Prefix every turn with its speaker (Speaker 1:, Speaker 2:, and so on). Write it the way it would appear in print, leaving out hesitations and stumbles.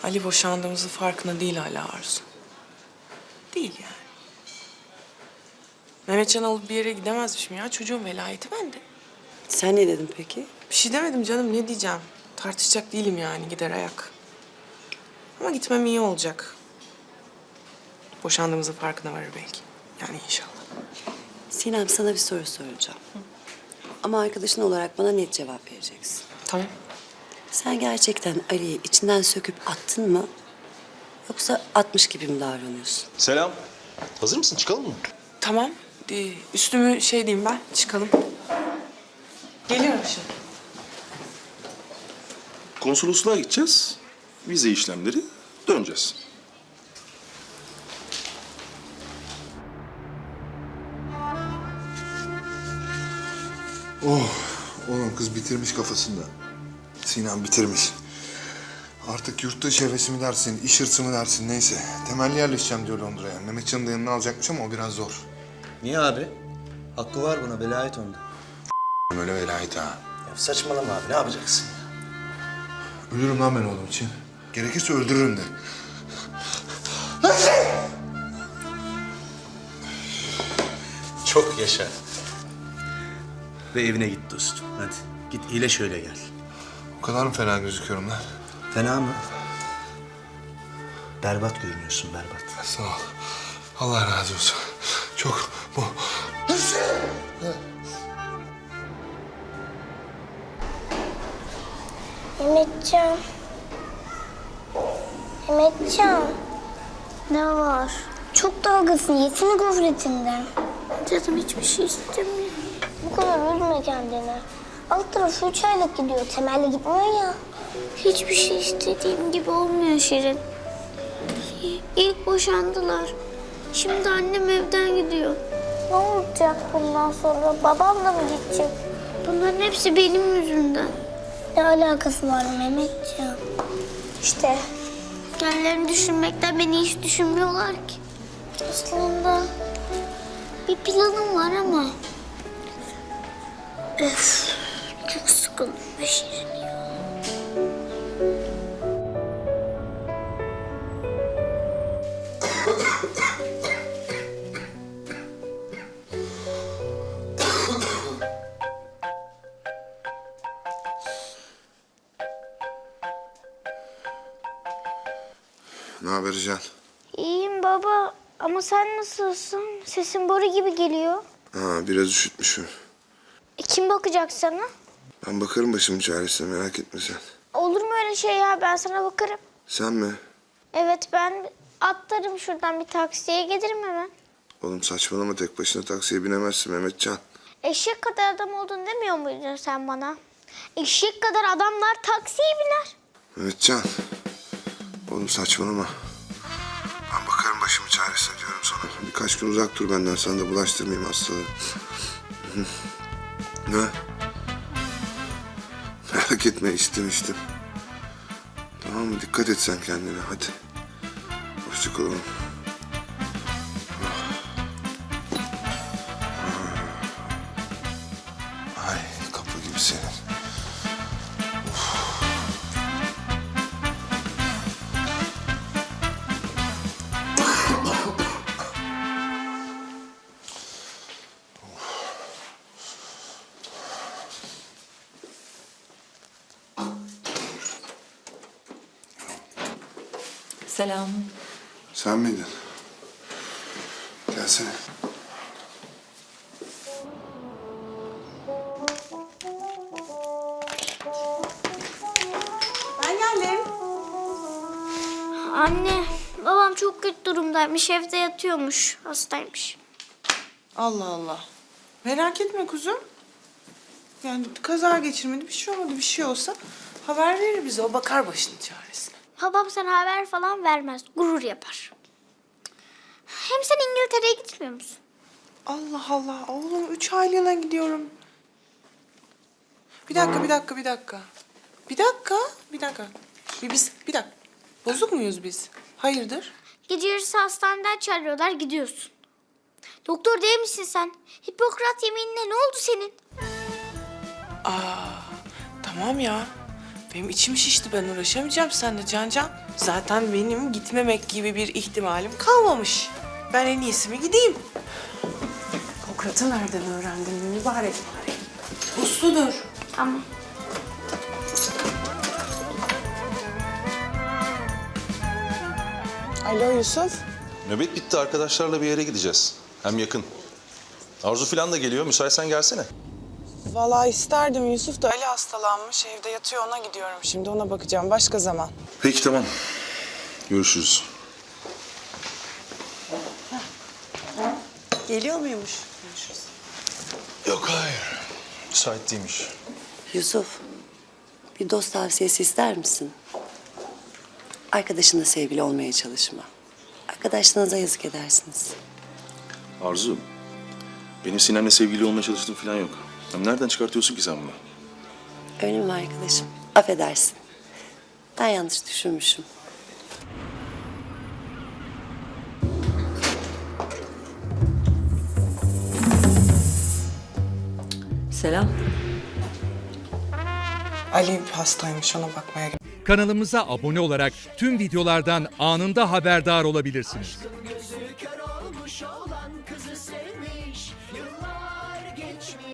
Speaker 1: Ali boşandığımızın farkında değil hala Arzu. Değil yani. Mehmetcan'ı alıp bir yere gidemezmişim ya. Çocuğun velayeti bende.
Speaker 2: Sen ne dedin peki?
Speaker 1: Bir şey demedim canım, ne diyeceğim? Tartışacak değilim yani, gider ayak. Ama gitmem iyi olacak. Boşandığımızın farkına varır belki. Yani inşallah.
Speaker 2: Sinem, sana bir soru soracağım. Ama arkadaşın olarak bana net cevap vereceksin.
Speaker 1: Tamam.
Speaker 2: Sen gerçekten Ali'yi içinden söküp attın mı? Yoksa atmış gibi mi davranıyorsun?
Speaker 3: Selam. Hazır mısın? Çıkalım mı?
Speaker 1: Tamam. Üstümü şey diyeyim ben, çıkalım. Geliyorum şimdi.
Speaker 3: Konsolosluğa gideceğiz. Vize işlemleri. Döneceğiz.
Speaker 4: Oğlum kız bitirmiş kafasında. Sinan bitirmiş. Artık yurt dışı hevesi mi dersin, iş hırsı mı dersin neyse. Temelli yerleşeceğim diyor Londra'ya. Mehmetcan'ın da yanına alacakmış ama o biraz zor.
Speaker 5: Niye abi? Hakkı var buna, velayet onda.
Speaker 4: Öyle velayet ha.
Speaker 5: Ya saçmalama abi, ne yapacaksın ya?
Speaker 4: Ölürüm lan ben oğlum için. Gerekirse öldürürüm de.
Speaker 5: Çok yaşa. Ve evine git dostum, hadi. Git iyileş şöyle gel.
Speaker 4: O kadar mı fena gözüküyorum lan?
Speaker 5: Fena mı? Berbat görünüyorsun, berbat.
Speaker 4: Sağ ol. Allah razı olsun. Çok bu.
Speaker 6: Mehmetcan. Mehmetcan. Ne var? Çok dalgasın. Yesene gofretinden. Canım hiçbir şey istemiyor. Bu kadar üzme kendini. Alt tarafı 3 aylık gidiyor. Temelli gitmiyor ya. Hiçbir şey istediğim gibi olmuyor Şirin. İlk boşandılar. Şimdi annem evden gidiyor. Ne olacak bundan sonra? Babam da mı gidecek? Bunların hepsi benim yüzümden. Ne alakası var Mehmetciğim? İşte. Kendilerini düşünmekten beni hiç düşünmüyorlar ki. Aslında bir planım var ama. Öf, çok sıkıldım be Şirin ya.
Speaker 4: Ne haber Can?
Speaker 6: İyiyim baba ama sen nasılsın? Sesin boru gibi geliyor.
Speaker 4: Ha, biraz üşütmüşüm.
Speaker 6: Kim bakacak sana?
Speaker 4: Ben bakarım başımın çaresine, merak etme sen.
Speaker 6: Olur mu öyle şey ya? Ben sana bakarım.
Speaker 4: Sen mi?
Speaker 6: Evet, ben atlarım şuradan bir taksiye gelirim hemen.
Speaker 4: Oğlum saçmalama, tek başına taksiye binemezsin Mehmetcan.
Speaker 6: Eşek kadar adam oldun demiyor muydun sen bana? Eşek kadar adamlar taksiye biner.
Speaker 4: Mehmetcan. Oğlum saçmalama. Ben bakarım başımın çaresine diyorum sana. Birkaç gün uzak dur benden, sana da bulaştırmayayım hastalığı. Ne? Merak etme, içtim. Tamam mı? Dikkat et sen kendine, hadi. Hoşça kal oğlum. Ay, kapı gibi senin.
Speaker 7: Selam.
Speaker 4: Sen miydin? Gelsene.
Speaker 1: Ben geldim.
Speaker 6: Anne, babam çok kötü durumdaymış. Evde yatıyormuş. Hastaymış.
Speaker 1: Allah Allah. Merak etme kuzum. Yani kaza geçirmedi, bir şey olmadı. Bir şey olsa haber verir bize. O bakar başının çaresine.
Speaker 6: Babam sana haber falan vermez. Gurur yapar. Hem sen İngiltere'ye gitmiyor musun?
Speaker 1: Allah Allah. Oğlum 3 aylığına gidiyorum. Bir dakika. Bir dakika. Bir dakika. Bozuk muyuz biz? Hayırdır?
Speaker 6: Gece yarısı hastaneden çağırıyorlar, gidiyorsun. Doktor değil misin sen? Hipokrat yeminine ne oldu senin?
Speaker 1: Tamam ya. Benim içim şişti, ben uğraşamayacağım seninle Can. Zaten benim gitmemek gibi bir ihtimalim kalmamış. Ben en iyisi mi gideyim? Hipokrat'ı nereden öğrendin mübarek bari? Usludur.
Speaker 6: Tamam.
Speaker 1: Alo Yusuf.
Speaker 3: Nöbet bitti, arkadaşlarla bir yere gideceğiz. Hem yakın. Arzu falan da geliyor, müsaitsen gelsene.
Speaker 7: Vallahi isterdim. Yusuf da Ali hastalanmış. Evde yatıyor, ona gidiyorum. Şimdi ona bakacağım. Başka zaman.
Speaker 3: Peki tamam. Görüşürüz.
Speaker 2: Geliyor muymuş?
Speaker 3: Yok hayır. Müsait değilmiş.
Speaker 2: Yusuf, bir dost tavsiyesi ister misin? Arkadaşınla sevgili olmaya çalışma. Arkadaşlarınıza yazık edersiniz.
Speaker 3: Arzu, benim Sinem'le sevgili olmaya çalıştığım falan yok. Hem nereden çıkartıyorsun ki sen bunu?
Speaker 2: Öyle mi arkadaşım? Affedersin. Ben yanlış düşünmüşüm. Selam.
Speaker 7: Ali hastaymış, ona bakmaya
Speaker 8: Kanalımıza abone olarak tüm videolardan anında haberdar olabilirsiniz.